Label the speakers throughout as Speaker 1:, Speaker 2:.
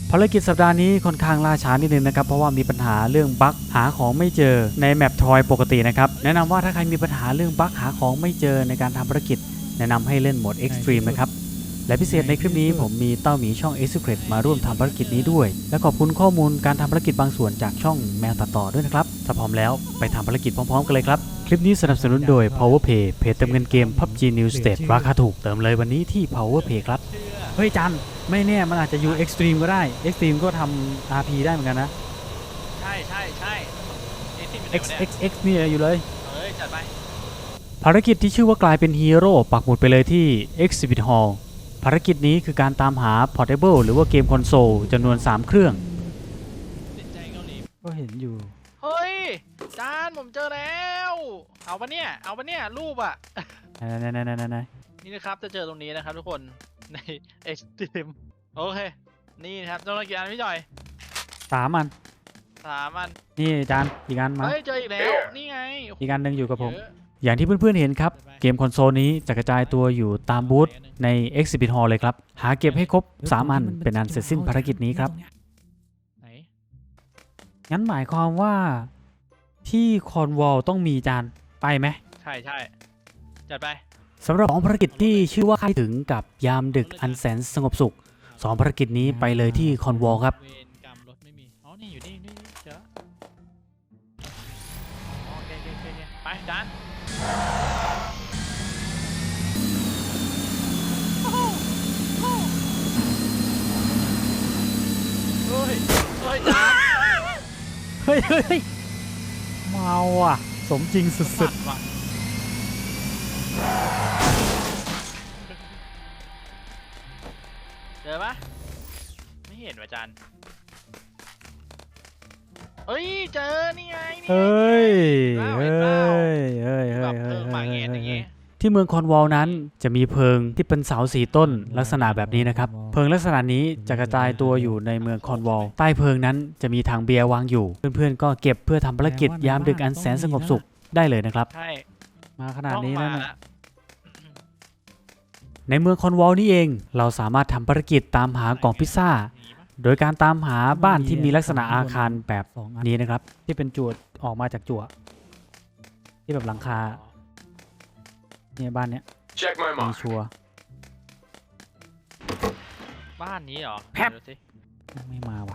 Speaker 1: ภารกิจสัปดาห์นี้ค่อนข้างล่าช้านิดนึงนะครับเพราะว่ามีปัญหาเรื่องบั๊กหาของไม่เจอในแมปทอยปกตินะครับแนะนำว่าถ้าใครมีปัญหาเรื่องบั๊กหาของไม่เจอในการทำภารกิจแนะนำให้เล่นโหมด Extreme นะครับและพิเศษในคลิปนี้ผมมีเต้าหมีช่อง Execret มาร่วมทำภารกิจนี้ด้วยและขอบคุณข้อมูลการทำภารกิจบางส่วนจากช่องแมวตัดต่อด้วยนะครับถ้าพร้อมแล้วไปทำภารกิจพร้อมๆกันเลยครับคลิปนี้สนับสนุนโดย Powerpay เพจเติมเงินเกม PUBG New State ราคาถูกเติมเลยวันนี้ที่ Powerpay ครับเฮ้ยจันไม่แน่มันอาจจะอยู่ Extreme ก็ได้ Extreme ก็ทำ RP ได้เหมือนกันนะ
Speaker 2: ใช่นี่ที่มัน
Speaker 1: XXX นี่อยู่เลย
Speaker 2: จัดไป
Speaker 1: ภารกิจที่ชื่อว่ากลายเป็นฮีโร่ปักหมุดไปเลยที่ Exhibit Hall ภารกิจนี้คือการตามหา Portable หรือว่าเกมคอนโซลจำนวน3เครื่อง
Speaker 2: ติดใจเกาหลี
Speaker 1: ก็เห็นอยู่
Speaker 2: เฮ้ยจานผมเจอแล้วเอาปะเนี่ยรูปอ่ะ
Speaker 1: ไหน
Speaker 2: นี่นะครับจะเจอตรงนี้นะครับทุกคนใน Extreme โอเคนี่นะครับเจ้าหน้าที่อันพี่จอย
Speaker 1: 3 อัน
Speaker 2: 3 อัน
Speaker 1: นี่จานอีกอันมา
Speaker 2: เฮ้ยเจออีกแล้วนี่ไง
Speaker 1: อีกอันหนึ่งอยู่กับผม
Speaker 2: เยอะ
Speaker 1: อย่างที่เพื่อนๆเห็นครับเกมคอนโซลนี้จะกระจายตัวอยู่ตามบูธใน Exhibit Hall เลยครับหาเก็บให้ครบ3 อันเป็นอันเสร็จสิ้นภารกิจนี้ครับ
Speaker 2: ไหน
Speaker 1: งั้นหมายความว่าที่คอนวอลต้องมีจานไปไหม
Speaker 2: ใช่จัดไป
Speaker 1: สำหรับ2ภารกิจที่ชื่อว่าใครถึงกับยามดึกอันแสนสงบสุข2ภารกิจนี้ไปเลยที่คอนวอลครับ
Speaker 2: เวรกรรมรถไม่มีอ๋อนี่อยู่นี่เจอโอเคไปจานเฮ้ยจาน
Speaker 1: เฮ้ยเมาอ่ะสมจริงสุด
Speaker 2: ว่ะเจอปะไม่เห็นว่ะจันเฮ้ยเจอนี่ไง
Speaker 1: ๆเฮ้ย
Speaker 2: แบบเพิ่งมาเงี้ยอย่างงี้
Speaker 1: ที่เมืองคอนวอลนั้นจะมีเพิงที่เป็นเสา4 ต้นลักษณะแบบนี้นะครับเพิงลักษณะนี้จะกระจายตัวอยู่ในเมืองคอนวอลใต้เพิงนั้นจะมีถังเบียร์วางอยู่เพื่อนๆก็เก็บเพื่อทำภารกิจยามดึกอันแสนสงบสุขได้เลยนะครับ
Speaker 2: ใช่
Speaker 1: มาขนาดนี้แล้ว
Speaker 2: ต้องมา
Speaker 1: นะ ในเมืองคอนวอลนี่เองเราสามารถทำภารกิจตามหากล่องพิซซ่าโดยการตามหาบ้านที่มีลักษณะอาคารแบบนี้นะครับที่เป็นจั่วออกมาจากจั่วที่แบบหลังคาเนี่ยบ้านเนี้ย
Speaker 3: Check my
Speaker 1: มี
Speaker 3: mark.
Speaker 1: ชัวร์
Speaker 2: บ้านนี้เหรอ
Speaker 1: แพ็บ
Speaker 2: ดูสิ
Speaker 1: ไม่มาว่ะ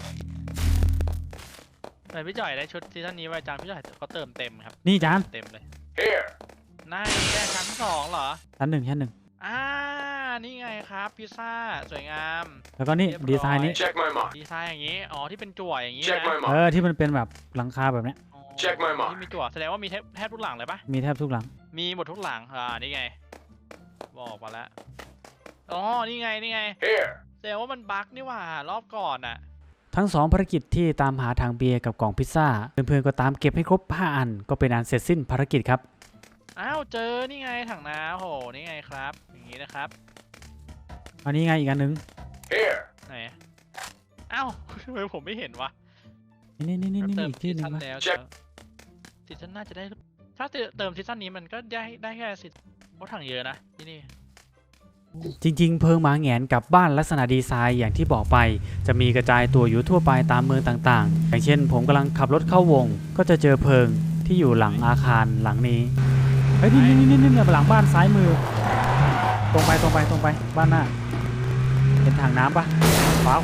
Speaker 2: แต่พี่จ่อยได้ชุดซีซั่นนี้ไว้จังพี่จ่อยเขาเติมเต็มครับ
Speaker 1: นี่จาน
Speaker 2: เต็มเลย
Speaker 3: Here.
Speaker 2: น่าแค่ชั้น2เหรอ
Speaker 1: ชั้นหนึ่ง
Speaker 2: นี่ไงครับพิซซ่าสวยงาม
Speaker 1: แล้วก็นี่
Speaker 2: เรียบร้อย
Speaker 1: ดีไซน์นี้
Speaker 3: Check my mark.
Speaker 2: ดีไซน์อย่างนี้อ๋อที่เป็นจั่วอย่างนี้
Speaker 3: Check
Speaker 2: นะ
Speaker 3: my
Speaker 1: เอ
Speaker 3: mark.
Speaker 1: อที่มันเป็นแบบหลังคาแบบเนี้ย
Speaker 2: อ๋อ
Speaker 3: Check my mark
Speaker 2: ที่มีจั่วแสดงว่ามีแทบทุกหลังเลยปะ
Speaker 1: มีแทบทุกหลัง
Speaker 2: มีหมดทุกหลังนี่ไงบอกมาแล้วอ๋อนี่ไง
Speaker 3: Here.
Speaker 2: แสดงว่ามันบั๊กนี่หว่ารอบก่อนอ่ะ
Speaker 1: ทั้ง2ภารกิจที่ตามหาถังเบียร์กับกล่องพิซซ่าเพื่อนๆก็ตามเก็บให้ครบ5 อันก็เป็นอันเสร็จสิ้นภารกิจครับ
Speaker 2: อ้าวเจอนี่ไงถังน้ำโหนี่ไงครับอย่างนี้นะครับ
Speaker 1: อันนี้ไงอีกอันนึง
Speaker 3: Here.
Speaker 2: ไหนอ้าว ทำไมผมไม่เห็นวะ
Speaker 1: นี่
Speaker 2: เติม
Speaker 1: อีกที่
Speaker 2: ซี
Speaker 1: หนึง
Speaker 2: ซั่น
Speaker 1: วะ
Speaker 2: แล้ว
Speaker 3: Check
Speaker 2: ซีซั่นน่าจะได้ถ้าเติมซีซั่นนี้มันก็ได้แค่ซีเพราะถังเยอะนะที่นี่
Speaker 1: จริงๆเพิงหมาแหงนกับบ้านลักษณะดีไซน์อย่างที่บอกไปจะมีกระจายตัวอยู่ทั่วไปตามเมืองต่างๆ อย่างเช่นผมกำลังขับรถเข้าวงก็จะเจอเพิงที่อยู่หลังอาคารหลังนี้เฮ้ยนี่หลังบ้านซ้ายมือตรงไปบ้านหน้าเห็นถังน้ำปะขวา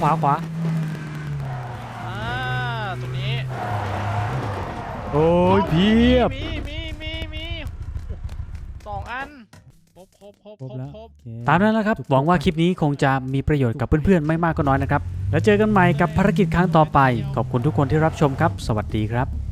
Speaker 2: ตรงนี้
Speaker 1: โอ้ยเพียบ
Speaker 2: มี2 อันครบ
Speaker 1: ตามนั้นแหละครับหวังว่าคลิปนี้คงจะมีประโยชน์กับเพื่อนๆไม่มากก็น้อยนะครับแล้วเจอกันใหม่กับภารกิจครั้งต่อไปขอบคุณทุกคนที่รับชมครับสวัสดีครับ